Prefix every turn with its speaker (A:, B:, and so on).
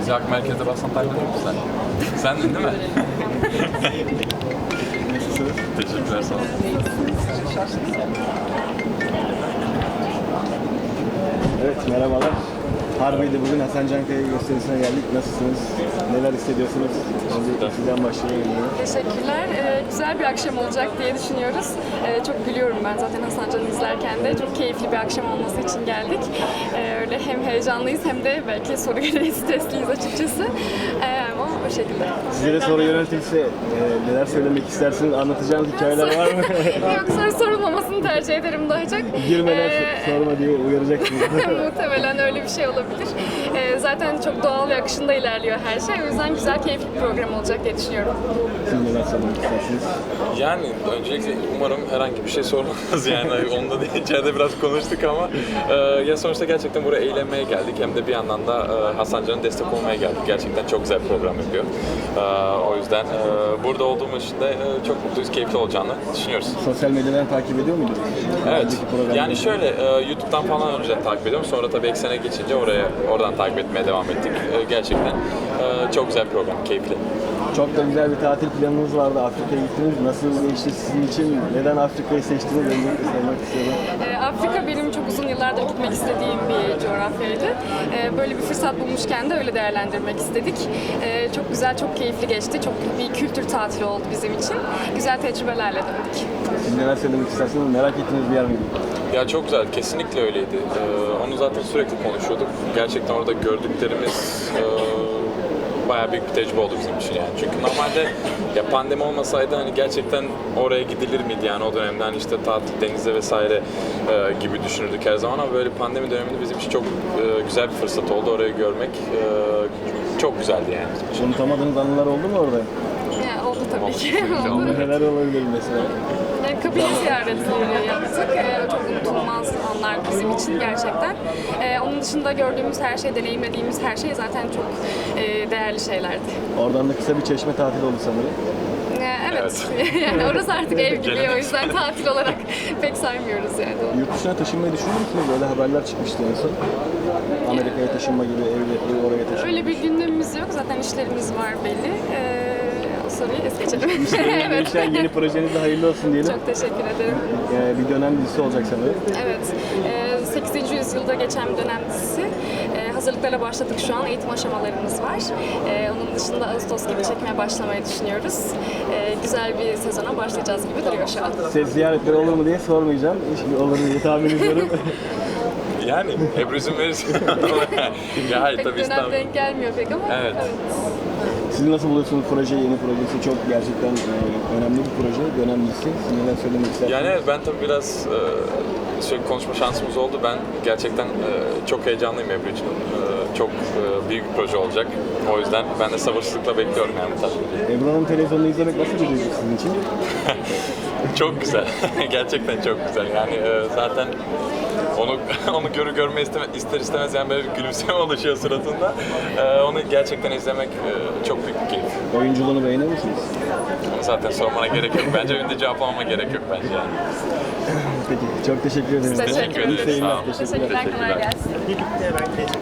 A: Sıcak merkezde bassan takip ediyor musun sen? Sendin değil mi?
B: Nasılsınız?
A: Teşekkürler sağ olun.
B: Evet, merhabalar. Harbiye'de bugün Hasan Cankaya gösterisine geldik. Nasılsınız? Neler hissediyorsunuz? Önce sizden başlayalım.
C: Teşekkürler. Güzel bir akşam olacak diye düşünüyoruz. Çok gülüyorum ben zaten Hasan Can'ı izlerken de. Çok keyifli bir akşam olması için geldik. Öyle hem heyecanlıyız hem de belki soru gereği stresliyiz açıkçası. Ama o şekilde.
B: Size de soru yöneltilse neler söylemek istersiniz? Anlatacağınız hikayeler var mı?
C: Yok, soru sorulmamasını tercih ederim daha çok.
B: Girmeden sorma diye uyaracaksınız.
C: Muhtemelen öyle bir şey olabilir. Zaten çok doğal ve akışında ilerliyor her şey. O yüzden güzel, keyifli bir program olacak diye düşünüyorum.
B: Siz neler söylemek istersiniz?
A: Yani öncelikle umarım herhangi bir şey sormaz yani onunla da içeride biraz konuştuk ama ya sonuçta gerçekten buraya eğlenmeye geldik hem de bir yandan da Hasan Can'a destek olmaya geldik. Gerçekten çok güzel bir program yapıyor. O yüzden burada olduğumuz için de çok mutluyuz, keyifli olacağını düşünüyoruz.
B: Sosyal medyadan takip ediyor muydunuz?
A: Evet.
B: Önceki programda.
A: Yani şöyle YouTube'dan falan önceden takip ediyorum. Sonra tabii Eksen'e geçince oradan takip etmeye devam ettik. Gerçekten çok güzel bir program, keyifli.
B: Çok da güzel bir tatil planınız vardı. Afrika'ya gittiniz. Nasıl geçti sizin için? Neden Afrika'yı seçtiniz? Öncelikle sormak istiyorum.
C: Afrika benim çok uzun yıllardır gitmek istediğim bir coğrafyaydı. Böyle bir fırsat bulmuşken de öyle değerlendirmek istedik. Çok güzel, çok keyifli geçti. Çok bir kültür tatili oldu bizim için. Güzel tecrübelerle döndük.
B: Siz neler söylemek istersiniz? Merak ettiğiniz bir yer miydi?
A: Ya çok güzel, kesinlikle öyleydi. Onu zaten sürekli konuşuyorduk. Gerçekten orada gördüklerimiz bayağı büyük bir tecrübe oldu bizim için yani. Çünkü normalde ya pandemi olmasaydı hani gerçekten oraya gidilir miydi yani o dönemde hani işte tatil, denize vesaire gibi düşünürdük her zaman ama böyle pandemi döneminde bizim için çok güzel bir fırsat oldu orayı görmek. Çok güzeldi yani bizim için.
B: Unutamadığınız anılar oldu mu orada?
C: Yani oldu tabii ki.
A: Oldu.
C: Oldu.
B: Neler olabilir mesela?
C: Yani kabile ziyaretleri yaptık. Çok unutulmaz anlar bizim için gerçekten. Onun dışında gördüğümüz her şey, deneyimlediğimiz her şey zaten çok değerli şeylerdi.
B: Oradan da kısa bir çeşme tatili oldu sanırım.
C: Evet. Yani orası artık ev gibi, o yüzden tatil olarak pek saymıyoruz yani.
B: Yurt dışına taşınmayı düşünüyor musunuz? Öyle haberler çıkmıştı en son. Amerika'ya taşınma gibi, ev oraya taşınma.
C: Öyle bir gündemimiz yok. Zaten işlerimiz var belli. O soruyu es geçelim.
B: Evet. Yeni projenizde hayırlı olsun diyelim.
C: Çok teşekkür ederim.
B: Bir dönem dizisi olacak sanırım.
C: Evet. 8. yüzyılda geçen bir dönem dizisi. Hazırlıklara başladık şu an. Eğitim aşamalarımız var. Onun dışında Ağustos gibi çekmeye başlamayı düşünüyoruz. Güzel bir sezona başlayacağız gibi duruyor şu an.
B: Set ziyaretleri olur mu diye sormayacağım. Şimdi olur diye tahmin ediyorum.
A: Yani Ebru izin verirse. Ya hayır
C: Pek
A: tabii
C: dönem
A: İstanbul.
C: denk gelmiyor pek ama.
A: Evet.
B: Siz nasıl buluyorsunuz projeyi, yeni projesi? Çok gerçekten önemli bir proje, dönem dizisi. Siz neler söylemek istersiniz?
A: Yani evet, ben tabii biraz sürekli konuşma şansımız oldu. Ben gerçekten çok heyecanlıyım Ebru için. Çok büyük bir proje olacak. O yüzden ben de sabırsızlıkla bekliyorum yani bu tarz.
B: Ebru Hanım televizyonda izlemek nasıl bir duygu sizin için?
A: Çok güzel. Gerçekten çok güzel. Yani zaten onu görme ister istemez yani böyle bir gülümseme oluşuyor suratında. Onu gerçekten izlemek çok büyük bir keyif.
B: Oyunculuğunu beğeniyor musunuz?
A: Onu zaten sormana gerek yok. Bence önde cevaplamama gerek yok bence yani.
B: Peki, çok teşekkür ederim.
C: Teşekkür
A: ederiz.
B: İyi seyirler.
A: Sağ olun.
C: Teşekkürler, kolay gelsin.
D: Birlikte ben